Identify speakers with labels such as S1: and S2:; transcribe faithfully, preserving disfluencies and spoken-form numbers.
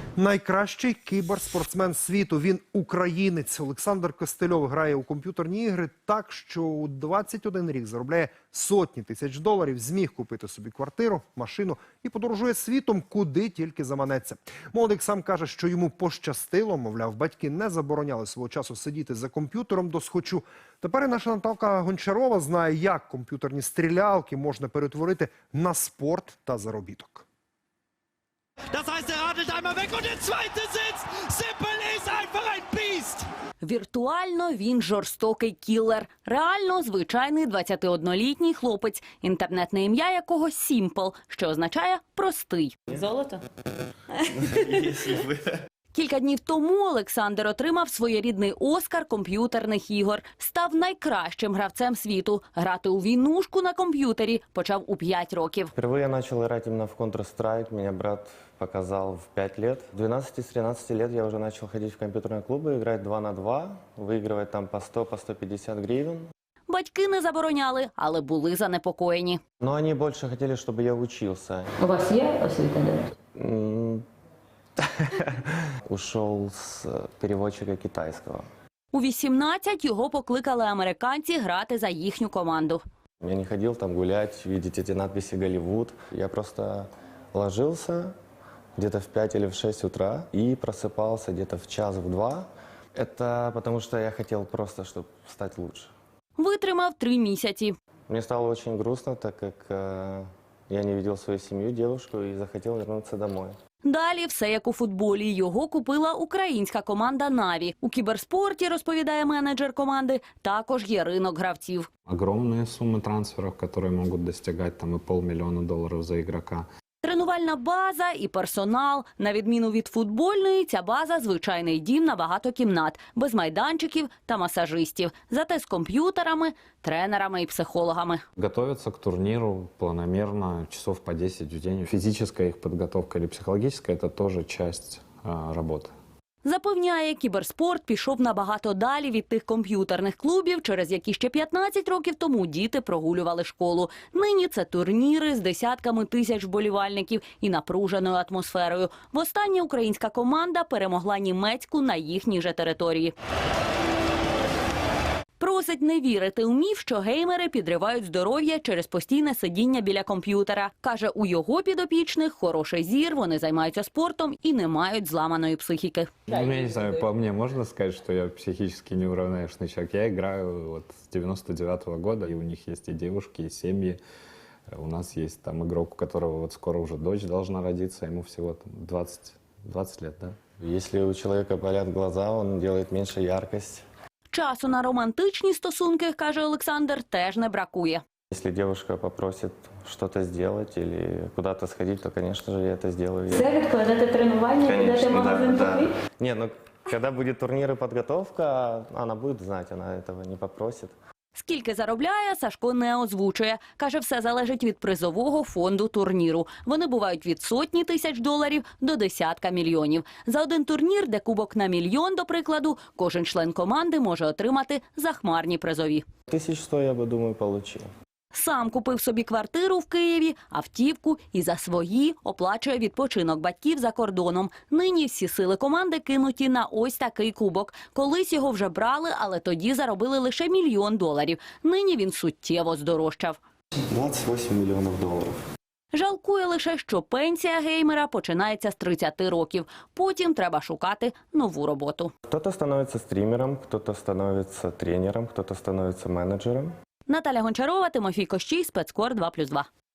S1: Найкращий кіберспортсмен світу. Він українець. Олександр Костельов грає у комп'ютерні ігри так, що у двадцять один рік заробляє сотні тисяч доларів, зміг купити собі квартиру, машину і подорожує світом, куди тільки заманеться. Молодик сам каже, що йому пощастило, мовляв, батьки не забороняли свого часу сидіти за комп'ютером до схочу. Тепер і наша Наталка Гончарова знає, як комп'ютерні стрілялки можна перетворити на спорт та заробіток.
S2: Das heißt, er radelt einmal weg und der zweite Sitz. Sippel ist einfach ein Biest.
S3: Віртуально він жорстокий кілер. Реально звичайний двадцятиоднолітній хлопець, інтернетне ім'я якого Сімпл, що означає «простий». Золото? Кілька днів тому Олександр отримав своєрідний Оскар комп'ютерних ігор. Став найкращим гравцем світу. Грати у війнушку на комп'ютері почав у п'ять років.
S4: Впервые я начал играть именно в Counter-Strike. Меня брат показал в пять лет. В двенадцати-тринадцати лет я уже начал ходить в компьютерные клубы, играть два на два, выигрывать там по сто, по сто пятьдесят гривен.
S3: Батьки не забороняли, але були занепокоєні.
S4: Но они больше хотели, чтобы я учился.
S5: У вас є освіта?
S4: М, Ушел с переводчика китайского.
S3: У вісімнадцять його покликали американці грати за їхню команду.
S4: Я не ходил там гулять, видеть эти надписи «Голливуд». Я просто ложился где-то в пять или в шесть утра и просыпался где-то в час, в два. Это потому что я хотел просто, чтобы стать лучше.
S3: Витримав три місяці.
S4: Мне стало очень грустно, так как э, я не видел свою семью, девушку, и захотел вернуться домой.
S3: Далі все як у футболі. Його купила українська команда «Наві». У кіберспорті, розповідає менеджер команди, також є ринок гравців.
S6: Огромные суммы трансферов, которые могут достигать там и полмиллиона долларов за игрока.
S3: Тренувальна база і персонал. На відміну від футбольної, ця база – звичайний дім на багато кімнат, без майданчиків та масажистів. Зате з комп'ютерами, тренерами і психологами.
S6: Готовятся к турниру планомерно, часов по десять в день. Физическая их подготовка или психологическая – это тоже часть а, работы.
S3: Запевняє, кіберспорт пішов набагато далі від тих комп'ютерних клубів, через які ще п'ятнадцять років тому діти прогулювали школу. Нині це турніри з десятками тисяч вболівальників і напруженою атмосферою. Востаннє українська команда перемогла німецьку на їхній же території. Просить не вірити у міф, що геймери підривають здоров'я через постійне сидіння біля комп'ютера. Каже, у його підопічних хороший зір, вони займаються спортом і не мають зламаної психіки.
S6: Ну, я не знаю, по мне можно сказать, что я психически неуравновешенный человек. Я играю вот с девяносто девятого года, и у них есть и девушки, и семьи. У нас есть там игрок, у которого вот скоро уже дочь должна родиться, ему всего там двадцать, двадцать лет, да?
S4: Если у человека болят глаза, он делает меньше яркость.
S3: Часу на романтичні стосунки, каже Олександр, теж не бракує.
S4: Если девушка попросит что-то сделать или куда-то сходить, то, конечно же, я это сделаю.
S5: Це відкладете тренування, підете в магазин купити?
S4: Не, ну, когда будет турнир и подготовка, она будет знать, она этого не попросит.
S3: Скільки заробляє, Сашко не озвучує. Каже, все залежить від призового фонду турніру. Вони бувають від сотні тисяч доларів до десятка мільйонів. За один турнір, де кубок на мільйон, до прикладу, кожен член команди може отримати захмарні призові.
S4: Тысяч сто, я бы, думаю, получил.
S3: Сам купив собі квартиру в Києві, автівку і за свої оплачує відпочинок батьків за кордоном. Нині всі сили команди кинуті на ось такий кубок. Колись його вже брали, але тоді заробили лише мільйон доларів. Нині він суттєво здорожчав.
S4: двадцать восемь миллионов долларов.
S3: Жалкує лише, що пенсія геймера починається з тридцяти років. Потім треба шукати нову роботу.
S4: Кто-то становится стримером, кто-то становится тренером, кто-то становится менеджером.
S3: Наталя Гончарова, Тимофій Кощій, Спецкор два плюс два.